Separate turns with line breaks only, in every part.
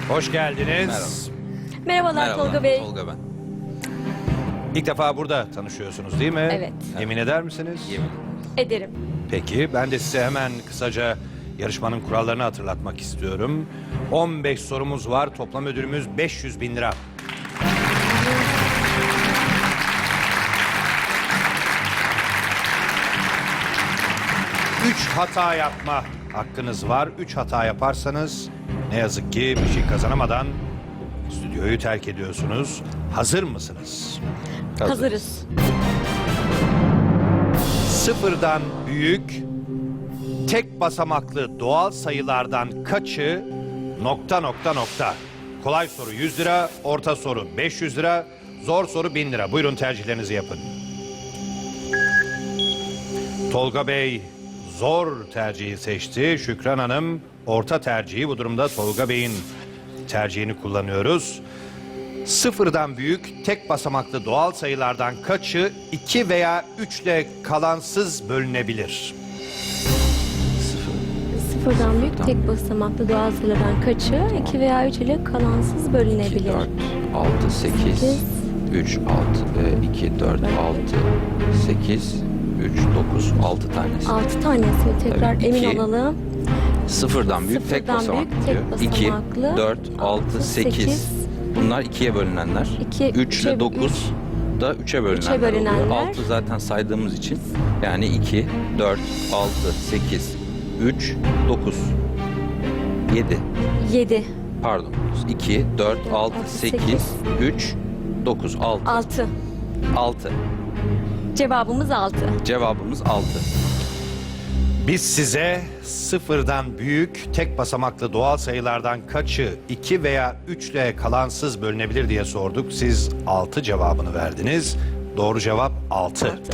Hoş geldiniz.
Merhabalar Tolga Bey.
Tolga ben.
İlk defa burada tanışıyorsunuz değil mi?
Evet.
Yemin eder misiniz?
Yemin.
Ederim.
Peki ben de size hemen kısaca yarışmanın kurallarını hatırlatmak istiyorum. 15 sorumuz var. Toplam ödülümüz 500 bin lira. Üç hata yapma hakkınız var. 3 hata yaparsanız ne yazık ki bir şey kazanamadan stüdyoyu terk ediyorsunuz. Hazır mısınız?
Hazırız.
Sıfırdan büyük, tek basamaklı doğal sayılardan kaçı ... Kolay soru 100 lira, orta soru 500 lira, zor soru 1000 lira. Buyurun tercihlerinizi yapın. Tolga Bey zor tercihi seçti. Şükran Hanım orta tercihi. Bu durumda Tolga Bey'in tercihini kullanıyoruz. Sıfırdan büyük, tek basamaklı doğal sayılardan kaçı 2 veya 3 ile kalansız bölünebilir?
Sıfırdan büyük tek basamaklı doğal sayılardan kaçı 2 veya 3 ile kalansız
2,
bölünebilir?
4, 6, 8, 3, 6, 2, 4, 6, 8, 3, 9, 6 tanesi.
6 tanesi. Tekrar
Tabii,
emin
iki.
olalım.
Sıfırdan büyük tek
Sıfırdan
basamaklı
büyük,
diyor.
tek
2,
basamaklı,
4, 6, 8. Bunlar 2'ye bölünenler.
2,
3 ile 9 da 3'e bölünenler,
bölünenler.
oluyor. 6 zaten saydığımız için. Yani 2, 4, 6, 8, 3, 9, 7.
7,
Pardon. 2, 4, 6, 8, 3, 9, 6.
6.
6.
Cevabımız 6.
Cevabımız 6.
Biz size sıfırdan büyük, tek basamaklı doğal sayılardan kaçı 2 veya 3 ile kalansız bölünebilir diye sorduk. Siz 6 cevabını verdiniz. Doğru cevap 6.
6.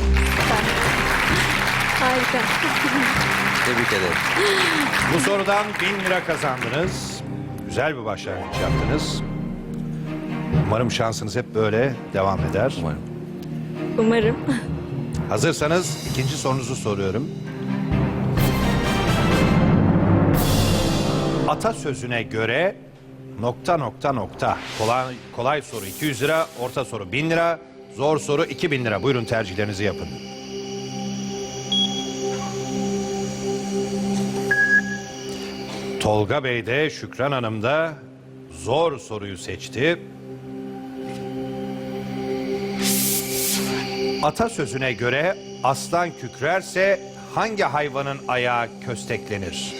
Harika.
Tebrik ederim.
Bu sorudan 1000 lira kazandınız. Güzel bir başlangıç yaptınız. Umarım şansınız hep böyle devam eder.
Umarım.
Umarım.
Hazırsanız ikinci sorunuzu soruyorum. Atasözüne göre ... Kolay soru 200 lira, orta soru 1000 lira, zor soru 2000 lira. Buyurun tercihlerinizi yapın. Tolga Bey de Şükran Hanım da zor soruyu seçti. Atasözüne göre aslan kükrerse hangi hayvanın ayağı kösteklenir?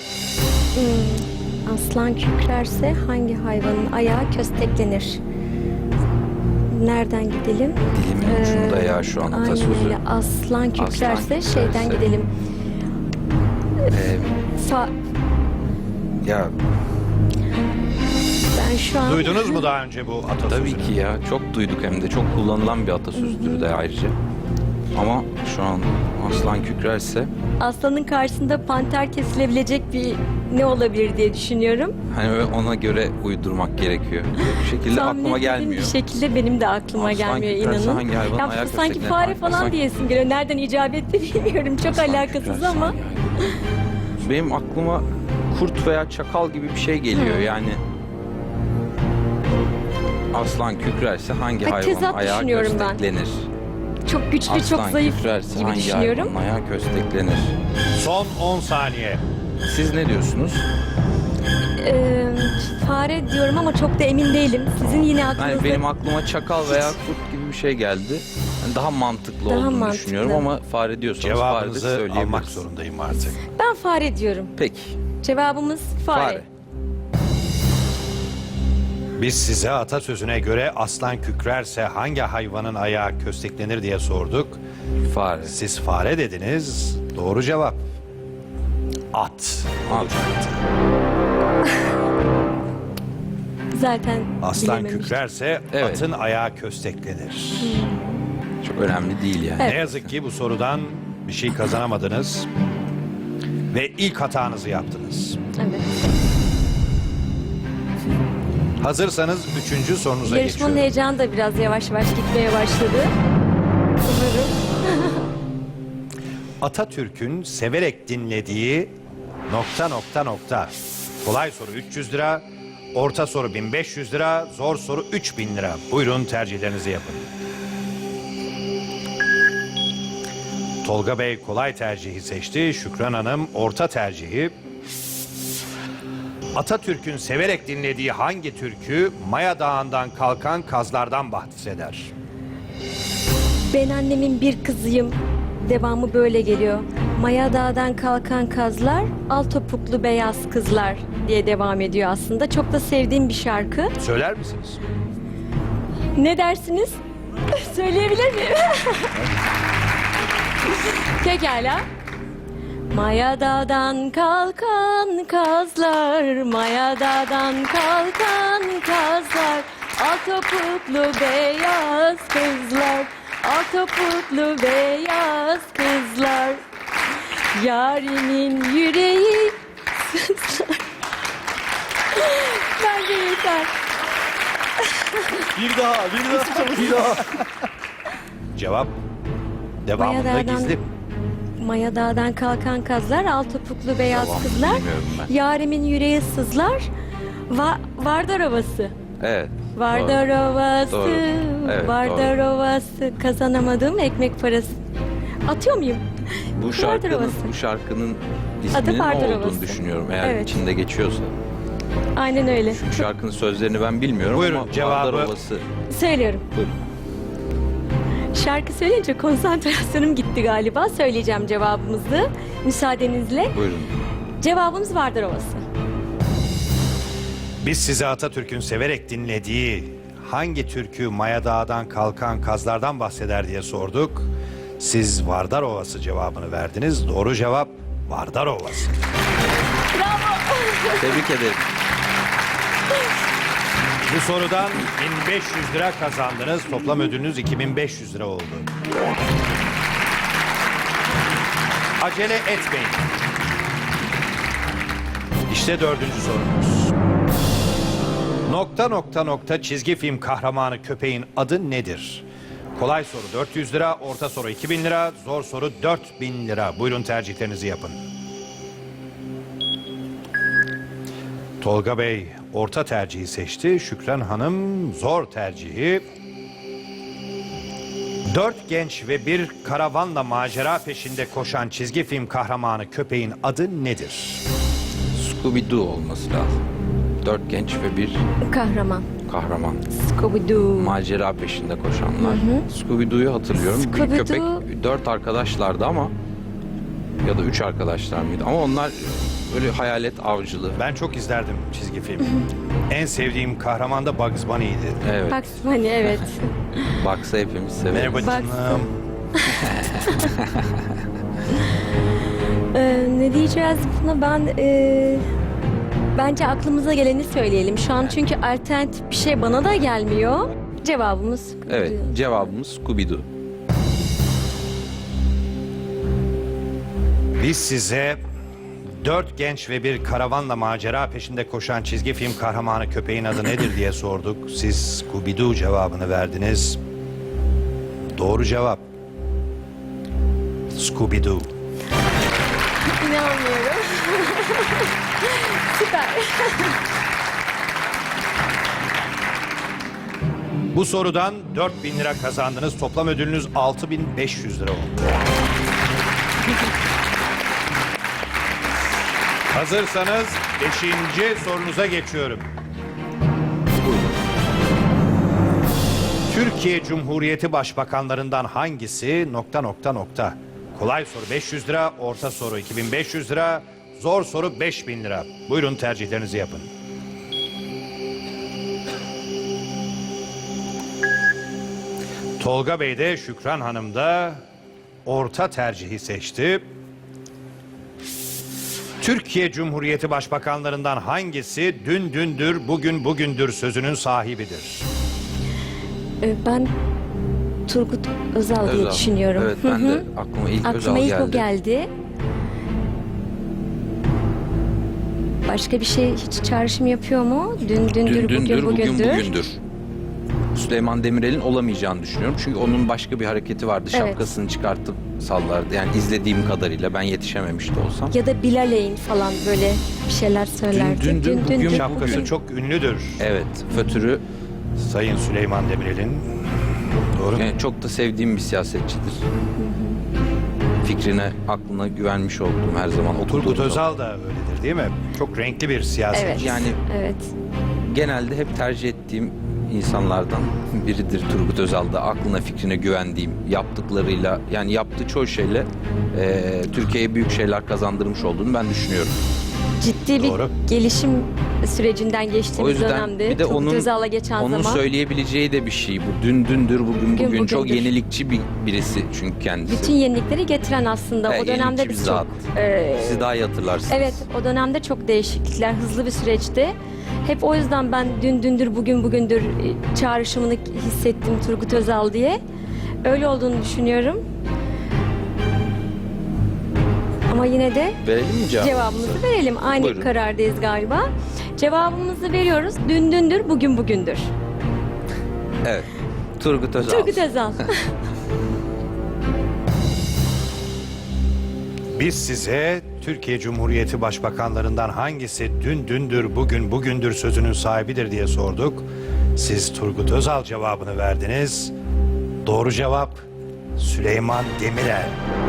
Aslan kükrerse hangi hayvanın ayağı kösteklenir? Nereden gidelim?
Dilimin ucunda ya şu an
Aynen
atasözü.
öyle. Aslan kükrerse şeyden gidelim. Fa
Ya
ben şu an
Duydunuz mu daha önce bu atasözünü?
tabii ki ya. Çok duyduk hem de. Çok kullanılan bir atasözüdür de ayrıca. Ama şu an aslan kükrerse
aslanın karşısında panter kesilebilecek bir ne olabilir diye düşünüyorum.
hani ona göre uydurmak gerekiyor. Bu şekilde
Tahmin
aklıma
etmediğim
gelmiyor.
bir şekilde benim de aklıma
Aslan
gelmiyor
kükrerse
inanın.
hangi hayvanın ayağı
sanki
kösteklenir?
fare falan
Aslan-
diyesim geliyor. Nereden icap etti bilmiyorum. Çok
Aslan
alakasız
kükrerse
ama.
hangi hayvan? Benim aklıma kurt veya çakal gibi bir şey geliyor yani. Aslan kükrerse hangi
Ay,
hayvanın
tezat
ayağı
düşünüyorum ben.
kösteklenir?
Çok güçlü,
Aslan
çok zayıf
kükrerse
gibi
hangi
düşünüyorum.
hayvanın ayağı kösteklenir?
Son 10 saniye.
Siz ne diyorsunuz?
Fare diyorum ama çok da emin değilim. Sizin yine aklınızda...
Yani benim aklıma çakal veya kurt gibi bir şey geldi. Yani daha mantıklı
Daha
olduğunu
mantıklı.
düşünüyorum ama fare diyorsanız fare de
Cevabınızı
söyleyebiliriz.
almak zorundayım artık.
Ben fare diyorum.
Peki.
Cevabımız fare.
Fare.
Biz size atasözüne göre aslan kükrerse hangi hayvanın ayağı kösteklenir diye sorduk.
Fare.
Siz fare dediniz. Doğru cevap at olacaktı.
Zaten
Aslan
bilememiştim.
kükrerse
Evet.
atın ayağı kösteklenir.
Çok önemli değil yani.
Evet.
Ne yazık ki bu sorudan bir şey kazanamadınız. Ve ilk hatanızı yaptınız.
Evet.
Hazırsanız 3. sorunuza
Yarışmanın
geçiyorum.
heyecanı da biraz yavaş yavaş gitmeye başladı. Umarım.
Atatürk'ün severek dinlediği ... Kolay soru 300 lira, orta soru 1500 lira, zor soru 3000 lira. Buyurun tercihlerinizi yapın. Tolga Bey kolay tercihi seçti. Şükran Hanım orta tercihi. Atatürk'ün severek dinlediği hangi türkü Maya Dağı'ndan kalkan kazlardan bahseder?
Ben annemin bir kızıyım. Devamı böyle geliyor. Maya Dağı'dan kalkan kazlar, al topuklu beyaz kızlar diye devam ediyor aslında. Çok da sevdiğim bir şarkı.
Söyler misiniz?
Ne dersiniz? Söyleyebilir miyim? Pekala. Maya Dağı'dan kalkan kazlar, Maya Dağı'dan kalkan kazlar, al topuklu beyaz kızlar, al topuklu beyaz kızlar, yarimin yüreği sızlar. Bence yeter.
Bir daha.
Cevap devamında
Maya Dağı'dan-
gizli.
Maya Dağı'dan kalkan kazlar, al topuklu beyaz
Devamını
kızlar,
bilmiyorum ben.
yarimin yüreği sızlar, Vardar Ovası.
Evet.
Vardar Ovası,
Doğru. Evet,
Vardar
doğru.
Ovası, kazanamadım ekmek parası. Atıyor muyum? Vardar Ovası.
Bu şarkının
Adı
isminin ne
Vardar
olduğunu
Ovası.
düşünüyorum eğer
Evet.
içinde geçiyorsa.
Aynen öyle.
Çünkü şarkının sözlerini ben bilmiyorum
Buyurun,
ama
cevabı-
Vardar Ovası.
Söylüyorum.
Buyurun.
Şarkı konsantrasyonum gitti galiba. Söyleyeceğim cevabımızı müsaadenizle.
Buyurun.
Cevabımız Vardar Ovası.
Biz size Atatürk'ün severek dinlediği hangi türkü Maya Dağı'dan kalkan kazlardan bahseder diye sorduk. Siz Vardar Ovası cevabını verdiniz. Doğru cevap Vardar Ovası.
Tebrik ederim.
Bu sorudan 1500 lira kazandınız. Toplam ödülünüz 2500 lira oldu. Acele etmeyin. İşte dördüncü sorumuz. Nokta nokta nokta çizgi film kahramanı köpeğin adı nedir? Kolay soru 400 lira, orta soru 2000 lira, zor soru 4000 lira. Buyurun tercihlerinizi yapın. Tolga Bey orta tercihi seçti. Şükran Hanım zor tercihi. 4 genç ve bir karavanla macera peşinde koşan çizgi film kahramanı köpeğin adı nedir?
Scooby-Doo olması lazım. 4 genç ve bir
Kahraman.
kahraman.
Scooby-Doo.
Macera peşinde koşanlar. Scooby-Doo'yu hatırlıyorum. Bir
Scooby-Doo.
köpek 4 arkadaşlardı ama ya da 3 arkadaşlar mıydı? Ama onlar böyle hayalet avcılığı.
Ben çok izlerdim çizgi film. En sevdiğim kahraman da Bugs Bunny'ydi.
Evet.
Bugs Bunny, evet.
Baksa hepimiz severiz.
Merhaba
Bugs
canım.
Ne diyeceğiz buna? Bence aklımıza geleni söyleyelim. Şu an çünkü alternatif bir şey bana da gelmiyor. Cevabımız
Evet, cevabımız Scooby-Doo.
Biz size 4 genç ve bir karavanla macera peşinde koşan çizgi film kahramanı köpeğin adı nedir diye sorduk. Siz Scooby-Doo cevabını verdiniz. Doğru cevap Scooby-Doo.
İnanmıyorum. Süper.
Bu sorudan 4000 lira kazandınız. Toplam ödülünüz 6500 lira oldu. Hazırsanız 5. sorunuza geçiyorum. Türkiye Cumhuriyeti Başbakanlarından hangisi ... Kolay soru 500 lira, orta soru 2500 lira, zor soru 5000 lira. Buyurun tercihlerinizi yapın. Tolga Bey de Şükran Hanım da orta tercihi seçti. Türkiye Cumhuriyeti Başbakanlarından hangisi dün dündür, bugün bugündür sözünün sahibidir?
Ben Turgut Özal diye düşünüyorum.
Evet, ben de aklıma ilk Özal
Aklıma ilk
geldi.
o geldi. Başka bir şey hiç çağrışım yapıyor mu? Dün dündür,
Dün dündür,
bugün bugündür.
bugündür. Süleyman Demirel'in olamayacağını düşünüyorum. Çünkü onun başka bir hareketi vardı.
Evet.
Şapkasını çıkartıp sallardı. Yani izlediğim kadarıyla ben yetişememiş de olsam.
Ya da Bilal'in falan böyle bir şeyler söylerdi.
Dündür, bugün
Şapkası
bugün.
çok ünlüdür.
Evet, fötürü
Sayın Süleyman Demirel'in. Doğru.
yani çok da sevdiğim bir siyasetçidir. Fikrine, aklına güvenmiş olduğum her zaman oturduğum
Turgut
zaman.
Özal da öyledir değil mi? Çok renkli bir siyasetçi.
Evet.
Yani
Evet.
genelde hep tercih ettiğim insanlardan biridir Turgut Özal'da. Aklına, fikrine güvendiğim, yaptıklarıyla, yani yaptığı çoğu şeyle Türkiye'ye büyük şeyler kazandırmış olduğunu ben düşünüyorum.
Ciddi bir
Doğru.
gelişim sürecinden
O
geçtiğimiz
yüzden
dönemde
bir de
Turgut Özal'la geçen
onun
zaman
söyleyebileceği de bir şey bu. Dün dündür, bugün bugün. Çok
bugündür.
yenilikçi birisi çünkü kendisi.
bütün yenilikleri getiren aslında.
Evet,
O dönemde
yenilikçi
biz
bir
çok...
zat.
e,
Siz daha iyi hatırlarsınız.
evet, o dönemde çok değişiklikler, hızlı bir süreçti. Hep o yüzden ben dün dündür, bugün bugündür çağrışımını hissettim Turgut Özal diye. Öyle olduğunu düşünüyorum. Ama yine de
Verelim mi cevabı?
cevabımızı verelim. Aynı
Buyurun.
karardayız galiba. Cevabımızı veriyoruz. Dün dündür, bugün bugündür.
Evet. Turgut Özal.
Turgut Özal.
Biz size Türkiye Cumhuriyeti Başbakanlarından hangisi dün dündür, bugün bugündür sözünün sahibidir diye sorduk. Siz Turgut Özal cevabını verdiniz. Doğru cevap Süleyman Demirel.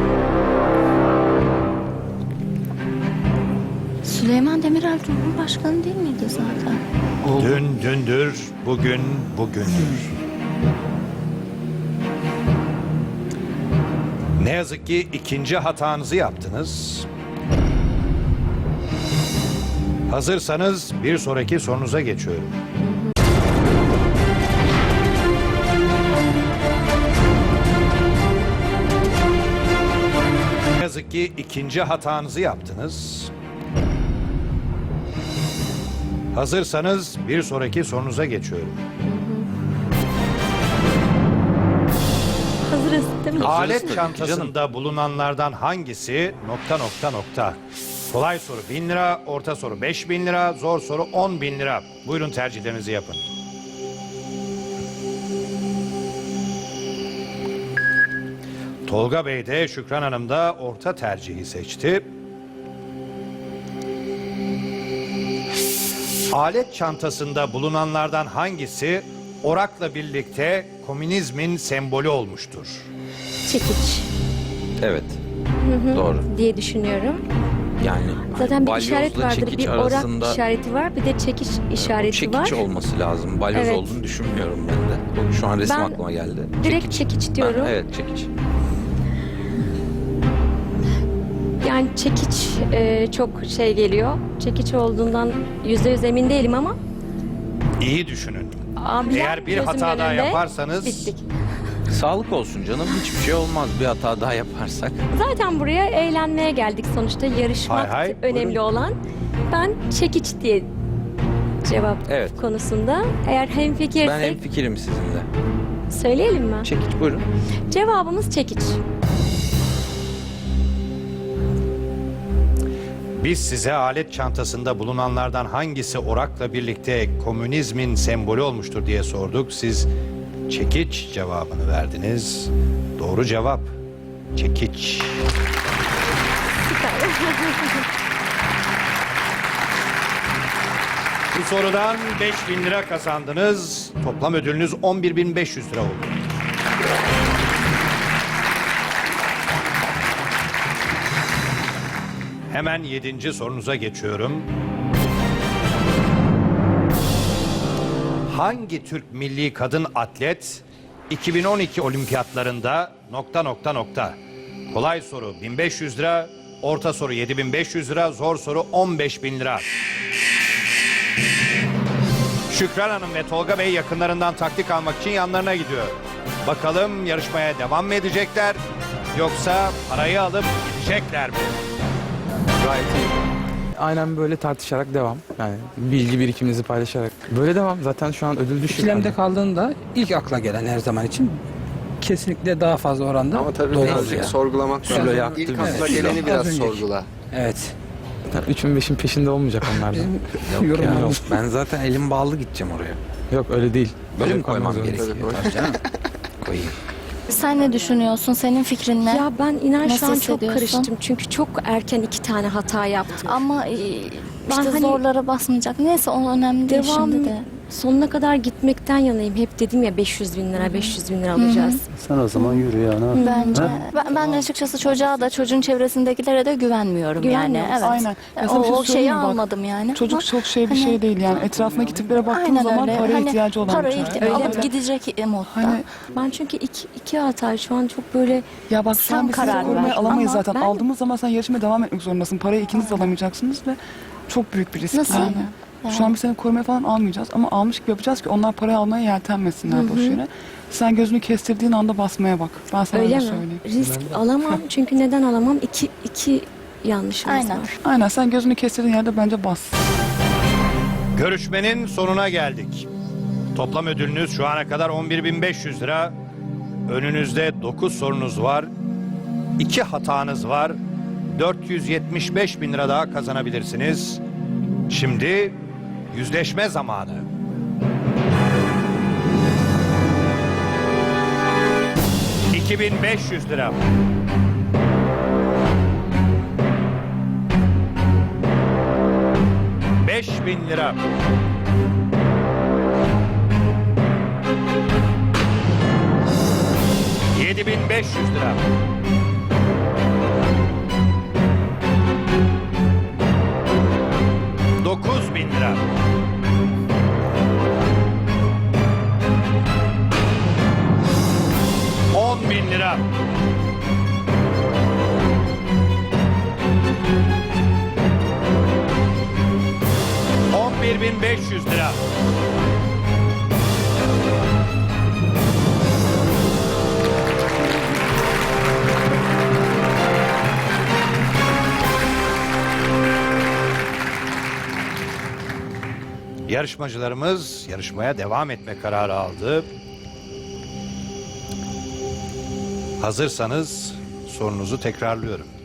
Süleyman Demirel Cumhurbaşkanı değil miydi zaten?
Dün dündür, bugün bugündür. Ne yazık ki ikinci hatanızı yaptınız. Hazırsanız bir sonraki sorunuza geçiyorum. Ne yazık ki ikinci hatanızı yaptınız. Hazırsanız bir sonraki sorunuza geçiyorum.
Hazırız değil mi?
Alet
tabii ki
çantasında bulunanlardan hangisi ... Kolay soru 1000 lira, orta soru 5000 lira, zor soru 10.000 lira. Buyurun tercihlerinizi yapın. Tolga Bey de Şükran Hanım da orta tercihi seçti. Alet çantasında bulunanlardan hangisi orakla birlikte komünizmin sembolü olmuştur?
Çekiç
Evet. Doğru.
diye düşünüyorum.
Yani
Zaten bir
balyozla
işaret vardır.
çekiç
Bir
arasında
orak işareti var, bir de çekiç işareti
çekiç
var.
olması lazım. Balyoz
Evet.
olduğunu düşünmüyorum ben de. Şu an resim
Ben
aklıma geldi.
direkt çekiç diyorum.
Evet, çekiç.
Yani çekiç çok şey geliyor. Çekiç olduğundan %100 emin değilim ama
İyi düşünün.
abiler
Eğer bir
gözümün
hata daha
önünde
yaparsanız
bittik.
Sağlık olsun canım. Hiçbir şey olmaz bir hata daha yaparsak.
Zaten buraya eğlenmeye geldik sonuçta. Yarışmak
Hay hay,
önemli
buyurun.
olan. Ben çekiç diye cevap
Evet.
konusunda. Eğer hemfikirsek
Ben hemfikirim sizinle.
söyleyelim mi?
Çekiç buyurun.
Cevabımız çekiç.
biz size alet çantasında bulunanlardan hangisi orakla birlikte komünizmin sembolü olmuştur diye sorduk. Siz çekiç cevabını verdiniz. Doğru cevap çekiç. Bu sorudan 5000 lira kazandınız. Toplam ödülünüz 11.500 lira oldu. Hemen 7. sorunuza geçiyorum. Hangi Türk milli kadın atlet 2012 olimpiyatlarında ... Kolay soru 1500 lira, orta soru 7500 lira, zor soru 15.000 lira. Şükran Hanım ve Tolga Bey yakınlarından taktik almak için yanlarına gidiyor. Bakalım yarışmaya devam mı edecekler yoksa parayı alıp gidecekler mi?
Gayet iyi. Aynen böyle tartışarak devam. Yani bilgi birikiminizi paylaşarak. Böyle devam. Zaten şu an ödül düşük.
İkilemde
Yani.
kaldığında ilk akla gelen her zaman için kesinlikle daha fazla oranda
Ama tabii
doğru
birazcık
oluyor.
sorgulamak
Sülo
lazım.
yaktı
İlk
bizi.
akla
Sülo.
geleni
Az
biraz
önceki.
sorgula.
Evet.
Yani 3'ün 5'in peşinde olmayacak onlardan.
Yorum
Ya,
yok.
ben zaten elim bağlı gideceğim oraya.
Yok öyle değil.
Böyle mi
koymak
koymam
zorunda.
gerekiyor? Tabii canım. Koyayım.
Sen ne düşünüyorsun? Senin fikrin ne?
Ya ben inan
Nasıl
şu an çok
hissediyorsun?
karıştım. Çünkü çok erken 2 tane hata yaptım.
Ama
Ben
işte
hani-
zorlara basmayacak. Neyse o önemli değil
Devam
şimdi de.
sonuna kadar gitmekten yanayım. Hep dedim ya 500 bin lira, 500 bin lira alacağız.
Sen o zaman yürü ya. Ne yapayım?
Bence. Ben açıkçası çocuğa da çocuğun çevresindekilere de güvenmiyorum yani.
Güvenmiyorsun.
Evet.
Aynen. Ya sana bir şey
O şeyi
söyleyeyim mi? Bak,
almadım yani.
Çocuk
Ama
çok şey bir
hani-
şey değil yani. Etrafındaki tiplere baktığın
Aynen
zaman
öyle.
paraya
Hani
ihtiyacı olan
para
bir çocuk.
ihtiyacı
Öyle
alıp
mi?
gidecek modda.
Hani
Ben çünkü iki hata şu an çok böyle
ya bak şu
Sen
an biz sizi
karar
korumaya
ver.
alamayız
Ama
zaten.
ben-
Aldığımız zaman sen yarışmaya devam etmek zorundasın. Parayı ikiniz de alamayacaksınız ve çok büyük bir risk
Nasıl
yani.
yani?
Şu an biz seni korumaya falan almayacağız ama almış gibi yapacağız ki onlar parayı almaya yeltenmesinler boş yere. Sen gözünü kestirdiğin anda basmaya bak. Ben sana
öyle
öyle
mi?
söyleyeyim.
Risk alamam çünkü neden alamam? İki yanlışımız
Aynen.
var.
Aynen sen gözünü kestirdiğin yerde bence bas.
Görüşmenin sonuna geldik. Toplam ödülünüz şu ana kadar 11.500 lira. Önünüzde 9 sorunuz var. 2 hatanız var. 475 bin lira daha kazanabilirsiniz. Şimdi yüzleşme zamanı. $2.500 lira. $5.000 lira. $7.500 lira. $9.000 lira. $10.000 lira. $11.500 lira. Yarışmacılarımız yarışmaya devam etme kararı aldı. Hazırsanız sorunuzu tekrarlıyorum.